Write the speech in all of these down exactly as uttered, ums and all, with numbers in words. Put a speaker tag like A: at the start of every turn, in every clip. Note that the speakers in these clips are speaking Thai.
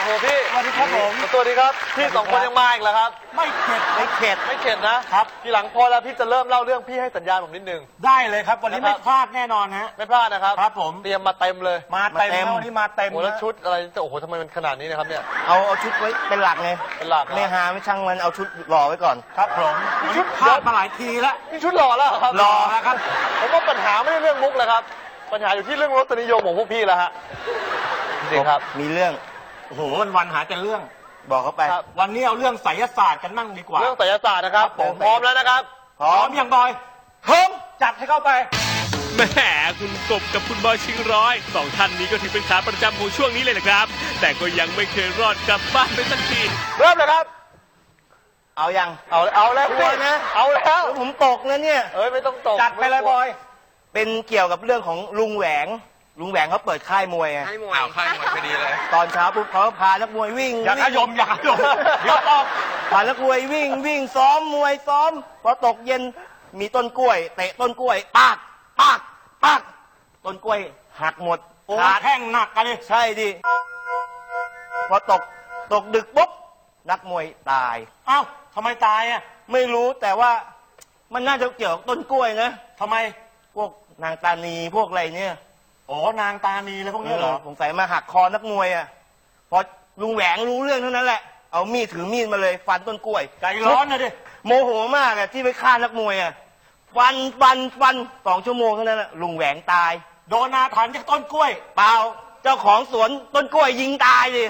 A: หพี่
B: สวัสดีครับผม
A: สวัสดีครับพี่สองคนยังมาอีกเหรอครับ
B: ไม่เข็ด
A: ไม่เข็ดไม่เข็ดนะครับทีหลังพอแล้วพี่จะเริ่มเล่าเรื่องพี่ให้สัญญาณผมนิดนึง
B: ได้เลยครับวันนี้ไม่พลาดแน่นอนฮะ
A: ไม่พลาดนะครับ
B: ครับผม
A: เตรียมมาเต็มเลย
B: มาเต็มวันนี้มาเต็ม
A: โอ้แล้วชุดอะไรโอ้โหทำไมมันขนาดนี้นะครับเนี่ย
C: เอาเอาชุดไว้เป็นหลักไง
A: เป็นหลัก
C: ไม่หาไม่ช่างมันเอาชุดหล่อไว้ก่อน
B: ครับผมชุดพลาดมาหลายทีแล้ว
A: นี่ชุดหล่อแล้วครับ
B: หล่อแล้วครับ
A: ผมว่าปัญหาไม่ใช่เรื่องมุกเลยครับปัญหาอยู่ที่เรื่องรสนิยมของพวกพี่แล้วฮะจริงครับ
C: มีเรื่อง
B: โอ้โหวันวันหาแต่เรื่อง
C: บอกเขาไป
B: วันนี้เอาเรื่องไสยศาสตร์กันมั่งดีกว่า
A: เรื่องไสยศาสตร์นะครับผมพร้อมแล้วนะครับ
B: พร้อมอย่างบอยพร้อมจัดให้เข้าไป
D: แหมคุณกบกับคุณบอยชิงร้อยสองท่านนี้ก็ถือเป็นขาประจำของช่วงนี้เลยนะครับแต่ก็ยังไม่เคยรอดกลับบ้านไปสักที
A: เริ่มเลยครับ
C: เอายัง
A: เอาเอาแล้ว
C: กลัวนะ
A: เอาแล้ว
C: ผมตกนะเนี่ย
A: เอ้ยไม่ต้องตก
B: จัดไปเลยบอย
C: เป็นเกี่ยวกับเรื่องของลุงแหวงลุงแหวงเขาเปิดค่ายมวยไง
A: ค่ายมวยค่ายมวยพอดีเลย
C: ตอนเช้าปุ๊บเขาพานักมวยวิ่ง
B: อย่าขยมอย่าขยมเดี๋ยวออก
C: พานักมวยวิ่งวิ่งซ้อมมวยซ้อมพอตกเย็นมีต้นกล้วยเตะต้นกล้วยปากปากปากต้นกล้วยหักหมด
B: ขาแข้งหนักกันเลย
C: ใช่ดิพอตกตกดึกปุ๊บนักมวยตาย
B: อ้าวทำไมตายอ่ะ
C: ไม่รู้แต่ว่ามันน่าจะเกี่ยวกับต้นกล้วยนะ
B: ทำไม
C: พวกนางตานีพวกอะไรเนี่ย
B: โอ้นางตานีแล้วพวกนี้เหรอ
C: สงสัยมาหักคอนักมวยอ่ะพอลุงแหวงรู้เรื่องเท่านั้นแหละเอามีดถือมีดมาเลยฟันต้นกล้วย
B: ใจร้อนนะดิ
C: โมโหมากอ่ะที่ไปฆ่านักมวยอ่ะฟันฟันฟันสองชั่วโมงเท่านั้นแหละลุงแหวงตาย
B: โดนอาถรรพ์จากต้นกล้วย
C: เปล่าเจ้าของสวนต้นกล้วยยิงตายดิ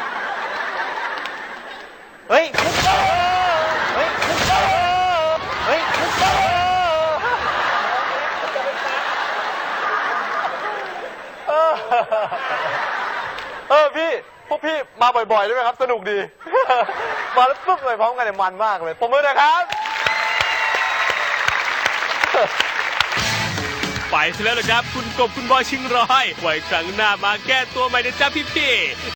C: เฮ้ยเฮ้ยเฮ้ย
A: เออพี่พวกพี่มาบ่อยๆได้ไหมครับสนุกดีมาแล้วปุ๊บเลยพร้อมกันเนี่ยมันมากเลยผมมือนะครับ
D: ไปซะแล้วละครับคุณกบคุณบอยชิงร้อยไว้ครั้งหน้ามาแก้ตัวใหม่นะจ๊ะพี่ๆ